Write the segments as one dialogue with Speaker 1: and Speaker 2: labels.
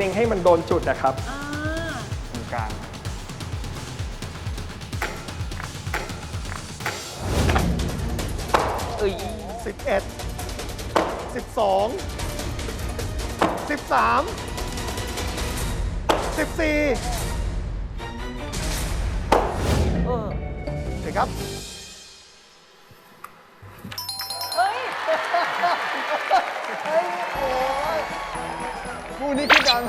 Speaker 1: ล็งๆให้มันโดนจุดนะครับตรงกลาง
Speaker 2: 11 12 13 14เด็กครับ
Speaker 3: เฮ้ย
Speaker 2: คู่นี้คิดกัน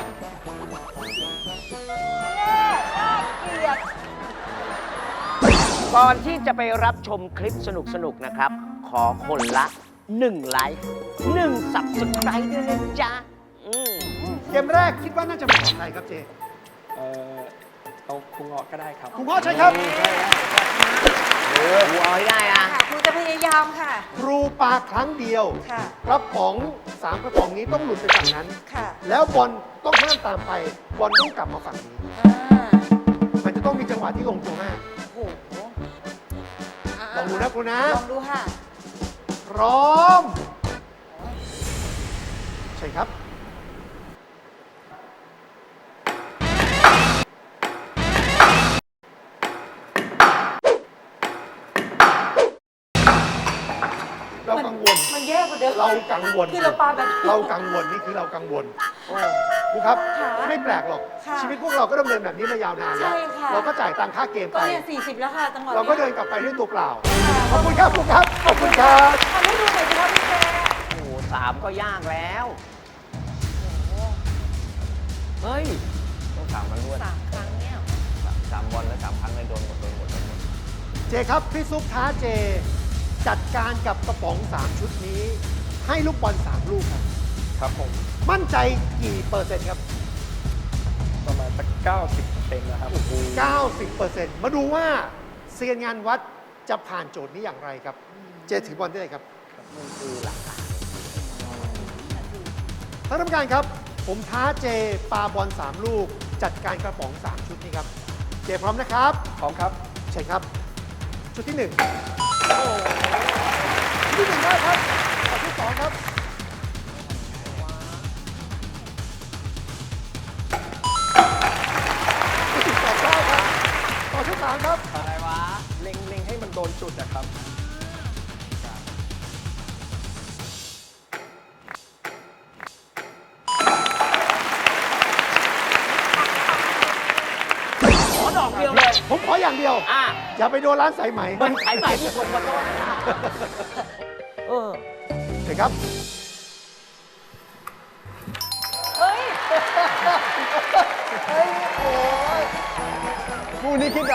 Speaker 4: ก่อนที่จะไปรับชมคลิปสนุกๆนะครับ ขอคนละ1ไลค์1 Subscribe ด้วยนะจ๊ะ
Speaker 2: เกมแรกคิดว่าน่าจะเหมาะกับใครครับเจ
Speaker 1: เอาครูเงาะก็ได้ครับ
Speaker 2: คุณพ่อใช่ครับ
Speaker 4: ครูเอาให้ได้นะ
Speaker 3: ค่ะครูจะพยายามค่ะ
Speaker 2: ครูปาครั้งเดียว
Speaker 3: ค่ะ
Speaker 2: กระป๋อง3กระป๋องนี้ต้องหลุดไปฝั่งนั้น
Speaker 3: ค่ะ
Speaker 2: แล้วบอลต้องห้ามตามไป บอลต้องกลับมาฝั่งนี้ มันจะต้องมีจังหวะที่ลงตัวมาก
Speaker 3: โอ้โห
Speaker 2: ลองดูนะครูนะ
Speaker 3: ลองดูค่ะ
Speaker 2: พร้อม ใช่ครับ เรากังวล
Speaker 3: มันแย่กว่าเดิม
Speaker 2: เรากังวล
Speaker 3: คือเราปาแบบ
Speaker 2: เรากังวลนี่คือเรากังวลครูครับ
Speaker 3: ค่ะ
Speaker 2: ไม่แปลกหรอก
Speaker 3: ค่ะ
Speaker 2: ชีวิตพวกเราก็ดำเนินแบบนี้มายาวนานแล้ว
Speaker 3: ใช่ค่ะ
Speaker 2: เราก็จ่ายตังค่าเกม
Speaker 3: ก็
Speaker 2: ไป
Speaker 3: เนี่ย40 แล้วค่ะจังหวะ
Speaker 2: เราก็
Speaker 3: นี้
Speaker 2: เดินกลับไปด้วยตัวเปล่า
Speaker 3: ค่ะ
Speaker 2: ขอบคุณครับครูครับ ขอบคุณครับ
Speaker 3: ทำให้ดูหน่อยสิคะพี่แก
Speaker 4: โอ้โห3ก็ยากแล้ว เฮ้ย ต้อง3มันรวด
Speaker 3: 3 ครั้งเนี่ย
Speaker 4: 3 บอลแล้ว3 ครั้งเลยโดนหมด
Speaker 2: เจครับ พี่ซุปท้าเจ จัดการกับกระป๋อง 3 ชุดนี้ ให้ลูกบอล 3 ลูกครับ
Speaker 1: ครับผม
Speaker 2: มั่นใจกี่เปอร์เซ็นต์ครับ
Speaker 1: ประมาณสัก90%นะครับ
Speaker 2: 90%มาดูว่าเซียนงานวัดจะผ่านโจทย์นี้อย่างไรครับ เจถือบอลได้เลยครับ
Speaker 4: มันคือหลักการ
Speaker 2: ท่านกรรมการครับ ผมท้าเจปาบอล 3 ลูก จัดการกระป๋อง 3 ชุดนี้ครับ เจพร้อมนะครับ
Speaker 1: พร้อมครับ
Speaker 2: ใช่ครับ ชุดที่ 1 ชุดที่ 1 ได้ครับชุดที่ 2 ครับ ชุดที่ 2 ได้ครับต่อชุด 3 ครับ
Speaker 4: อะไรวะ
Speaker 1: เล็งๆให้มันโดนจุดนะครับ
Speaker 4: ขอดอกเดียวเลย
Speaker 2: ผมขออย่างเดียว อย่าไปโดนร้านสายไหม
Speaker 4: มันขายใหม่ที่คนมาต้อนเออ
Speaker 2: เห็นครับ
Speaker 3: เฮ้ย
Speaker 2: คู่นี้คิดกัน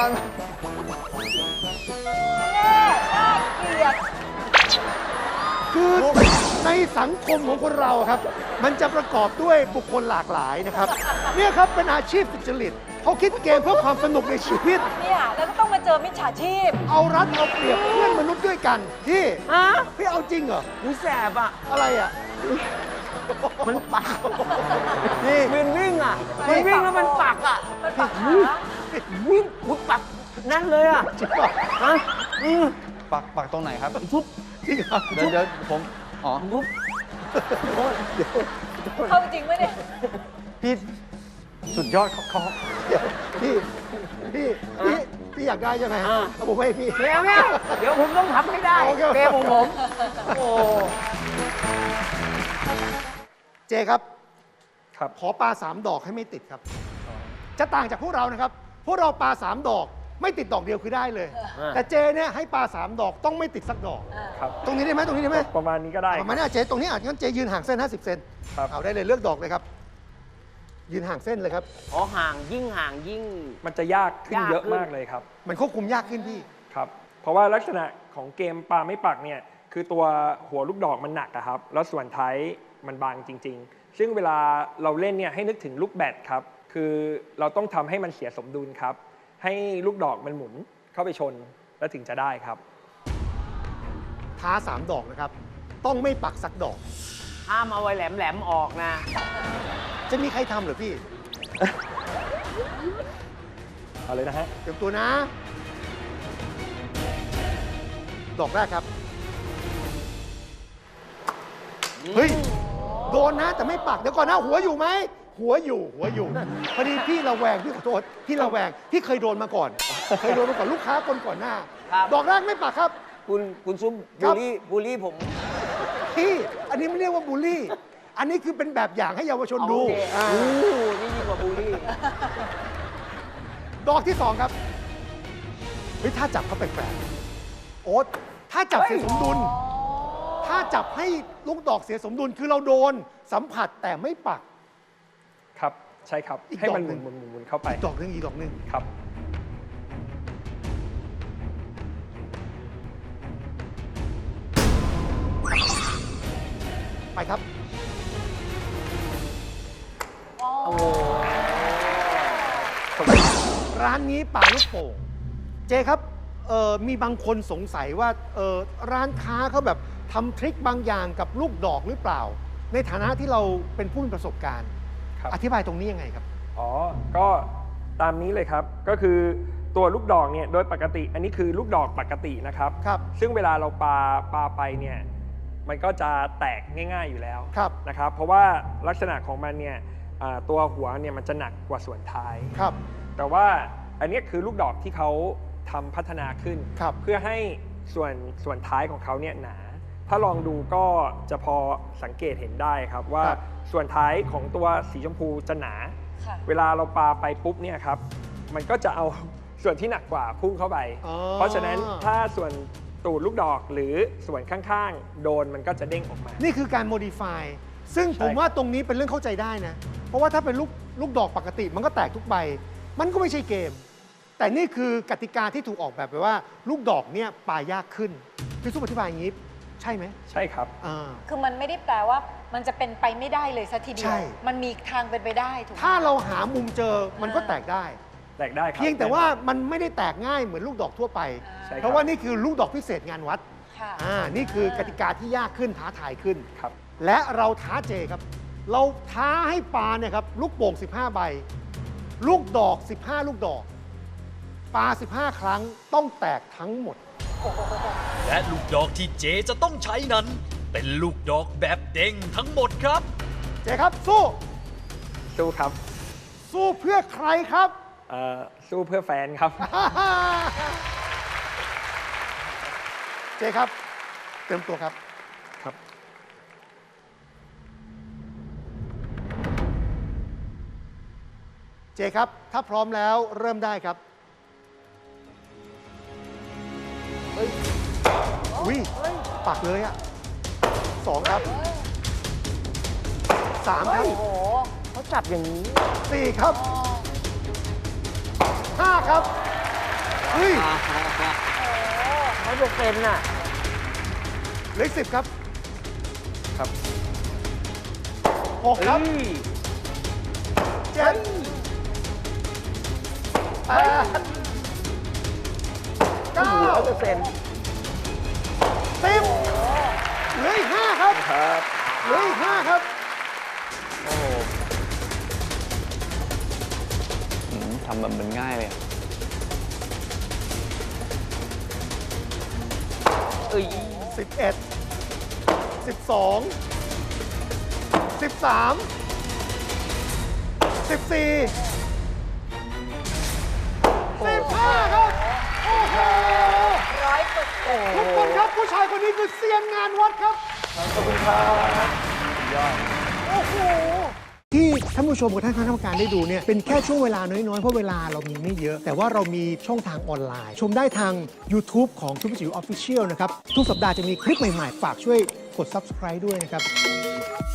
Speaker 3: น่าเกลียด
Speaker 2: คือในสังคมของคนเราครับ มันจะประกอบด้วยบุคคลหลากหลายนะครับ เนี่ยครับเป็นอาชีพสุจริตเขาคิดเกมเพื่อความสนุกในชีวิต
Speaker 3: เนี่ยแล้วก็ต้องมาเจอมิจฉาชีพ
Speaker 2: เอารัดเอาเปรียบเพื่อนมนุษย์ด้วยกันพี่
Speaker 4: ฮะ
Speaker 2: พี่เอาจริงเหรอ
Speaker 4: หูแสบอ่ะ
Speaker 2: อะไรอ่ะ
Speaker 4: มันปัก
Speaker 2: นี่
Speaker 4: มันวิ่งอ่ะ มันวิ่งแล้วมันปักอ่ะ
Speaker 3: มันปักขา
Speaker 4: วิ่งหุบปักนั่นเลยอ่ะ
Speaker 2: จริงเหรอ
Speaker 4: ฮะ
Speaker 5: ปักตรงไหนครับ
Speaker 4: ทุบ
Speaker 2: จริงเหรอ
Speaker 5: เดี๋ยวผม อ๋อ
Speaker 4: ทุบ
Speaker 3: เข้าจริงไหมเนี่ย
Speaker 5: พี่สุดยอดเขา
Speaker 2: เดี๋ยวพี่อยากได้ใช่ไหมเอาผมให้พี่
Speaker 4: เดี๋ยวเดี๋ยวผมต้องทำให้ได้
Speaker 2: โอเค
Speaker 4: เกมของผม โอ้
Speaker 2: เจครับ
Speaker 1: ครับ
Speaker 2: ขอปลา3 ดอกให้ไม่ติดครับ จะต่างจากพวกเรานะครับ พวกเราปลา3 ดอก ไม่ติดดอกเดียวคือได้เลย แต่เจเนี่ยให้ปลา3 ดอกต้องไม่ติดสักดอก
Speaker 1: ครับ
Speaker 2: ตรงนี้ได้ไหมตรงนี้ได้ไหม
Speaker 1: ประมาณนี้ก็ได้
Speaker 2: ประมาณนี้เจตรงนี้อาจงั้นเจยืนห่างเส้น50 เซน
Speaker 1: ครับ
Speaker 2: เอาได้เลยเลือกดอกเลยครับ ยืนห่างเส้นเลยครับ
Speaker 4: อ๋อห่างยิ่ง
Speaker 1: มันจะยากขึ้น
Speaker 4: ยากขึ้น
Speaker 1: เยอะมากเลยครับ
Speaker 2: มันควบคุมยากขึ้นพี่
Speaker 1: ครับ เพราะว่าลักษณะของเกมปลาไม่ปักเนี่ย คือตัวหัวลูกดอกมันหนักอะครับ แล้วส่วนท้ายมันบางจริง ๆ ซึ่งเวลาเราเล่นเนี่ยให้นึกถึงลูกแบดครับ คือเราต้องทำให้มันเสียสมดุลครับ ให้ลูกดอกมันหมุนเข้าไปชนแล้วถึงจะได้ครับ
Speaker 2: ท้า3 ดอกนะครับ ต้องไม่ปักสักดอก
Speaker 4: ๆ ห้ามเอาไว้แหลมๆออกนะ
Speaker 2: จะมีใครทำเหรือพี่
Speaker 1: เอาเลยนะฮะ
Speaker 2: เตรียมตัวนะ ดอกแรกครับ เฮ้ย โดนนะ แต่ไม่ปัก เดี๋ยวก่อนนะ หัวอยู่ไหมหัวอยู่พอดีพี่ระแวงพี่ขอโทษพี่ระแวงพี่เคยโดนมาก่อน เคยโดนมาก่อนลูกค้าคนก่อนหน้า
Speaker 4: ครับ
Speaker 2: ดอกแรกไม่ปักครับ
Speaker 4: คุณซุ้ม
Speaker 2: ครั
Speaker 4: บู
Speaker 2: บ
Speaker 4: ลลี่ผม
Speaker 2: พี่อันนี้ไม่เรียกว่าบูลลี่ อันนี้คือเป็นแบบอย่างให้เยาวชนดู
Speaker 4: โอเค
Speaker 2: อ่า
Speaker 4: โอ้นี่ยิ่งกว่าบูลลี่
Speaker 2: ดอกที่สองครับเฮ้ยถ้าจับเขาแปลกๆโอ๊ตถ้าจับเสียสมดุล ถ้าจับให้ลูกดอกเสียสมดุลคือเราโดนสัมผัสแต่ไม่ปัก
Speaker 1: ครับ ใช่ครับ
Speaker 2: อีก
Speaker 1: ให้มัน
Speaker 2: ดอกหนึ่
Speaker 1: ห
Speaker 2: ง
Speaker 1: มุนเข้าไป
Speaker 2: อีกดอกหนึงอีกดอกหนึง
Speaker 1: ครับ
Speaker 2: ไปครับ ร้านนี้ป่าลูกโป่งเจครับมีบางคนสงสัยว่าร้านค้าเขาแบบทำทริคบางอย่างกับลูกดอกหรือเปล่า ในฐานะที่เราเป็นผู้มีประสบการณ์
Speaker 1: ครับ
Speaker 2: อธิบายตรงนี้ยังไงครับ
Speaker 1: อ๋อ ก็ตามนี้เลยครับ ก็คือตัวลูกดอกเนี่ยโดยปกติ อันนี้คือลูกดอกปกตินะครับ
Speaker 2: ครับ
Speaker 1: ซึ่งเวลาเราปาไปเนี่ยมันก็จะแตกง่าย ๆอยู่แล้ว
Speaker 2: ครับ
Speaker 1: นะครับ เพราะว่าลักษณะของมันเนี่ยตัวหัวเนี่ยมันจะหนักกว่าส่วนท้าย
Speaker 2: ครับ
Speaker 1: แต่ว่าอันเนี้ยคือลูกดอกที่เขาทำพัฒนาขึ้น
Speaker 2: ครับ
Speaker 1: เพื่อให้ส่วนท้ายของเขาเนี่ยหนา ถ้าลองดูก็จะพอสังเกตเห็นได้ครับว่า
Speaker 2: ครับ
Speaker 1: ส่วนท้ายของตัวสีชมพูจะหนา
Speaker 3: ค่ะ
Speaker 1: เวลาเราปาไปปุ๊บเนี่ยครับมันก็จะเอา ส่วนที่หนักกว่าพุ่งเข้าไป
Speaker 2: อ๋อ
Speaker 1: เพราะฉะนั้นถ้าส่วนตูดลูกดอกหรือส่วนข้างๆ โดนมันก็จะเด้งออกมา
Speaker 2: นี่คือการ modify ซึ่ง
Speaker 1: ใช่
Speaker 2: ผมว่าตรงนี้เป็นเรื่องเข้าใจได้นะ เพราะว่าถ้าเป็นลูกดอกปกติมันก็แตกทุกใบ มันก็ไม่ใช่เกม แต่นี่คือกติกาที่ถูกออกแบบไปว่า ลูกดอกเนี่ยปายากขึ้นพี่ซุปอธิบายอย่างนี้ ใช่ไหม
Speaker 1: ใช่ครับ
Speaker 2: อ่า
Speaker 3: คือมันไม่ได้แปลว่ามันจะเป็นไปไม่ได้เลยสัทีเดี
Speaker 2: ใช่
Speaker 3: ยว มันมีทางเป็นไปได้ถูกไหม
Speaker 2: ถ้าเราหามุมเจอมันก็แตกได้
Speaker 1: แตกได้ครับ
Speaker 2: เพียงแต่ว่ามันไม่ได้แตกง่ายเหมือนลูกดอกทั่วไป
Speaker 1: ใช่ครับ
Speaker 2: เพราะว่านี่คือลูกดอกพิเศษงานวัด
Speaker 3: ค่ะ
Speaker 2: นี่คือกติกาที่ยากขึ้นท้าทายขึ้น
Speaker 1: ครับ
Speaker 2: และเราท้าเจครับ เราท้าให้ปาเนี่ยครับลูกโป่ง 15 ใบ ลูกดอก 15 ลูกดอก ปา 15 ครั้งต้องแตกทั้งหมด
Speaker 6: และลูกดอกที่เจจะต้องใช้นั้น เป็นลูกดอกแบบเด้งทั้งหมดครับ
Speaker 2: เจครับ สู้
Speaker 1: สู้ครับ
Speaker 2: สู้เพื่อใครครับ
Speaker 1: สู้เพื่อแฟนครับ
Speaker 2: เจครับเตรียมตัวครับ
Speaker 1: ครับ
Speaker 2: เจครับ ถ้าพร้อมแล้วเริ่มได้ครับอุ้ยปักเลยอ่ะ2 ครับ 3 ครับ
Speaker 4: โอ้โหเขาจับอย่างนี้
Speaker 2: 4 ครับ 5 ครับเฮ้ย
Speaker 4: เขาจะเป็นน่ะ
Speaker 2: เหลืออก10 ครับ
Speaker 1: ครับ
Speaker 2: 6 ครับ 7 8 9
Speaker 4: 100%
Speaker 2: 10เหลืออีก 5 ครับ
Speaker 1: ครับ
Speaker 2: เหลืออีก 5 ครับ
Speaker 5: ทำแบบมันง่ายเลยอะ
Speaker 4: เอ้ย
Speaker 2: 11 12 13 14 15 ครับ โอ้โห
Speaker 3: 100%
Speaker 2: ทุกคนครับ ผู้ชายคนนี้คือเซียนงานวัดครับ ขอบคุณครับโอ้โห ที่ท่านผู้ชมกับท่านคณะกรรมการได้ดูเนี่ยเป็นแค่ช่วงเวลาน้อยๆ เพราะเวลาเรามีไม่เยอะ แต่ว่าเรามีช่องทางออนไลน์ ชมได้ทาง YouTube ของซุปเปอร์จิ๋วออฟฟิเชียลนะครับ ทุกสัปดาห์จะมีคลิปใหม่ๆ ฝากช่วยกด Subscribe ด้วยนะครับ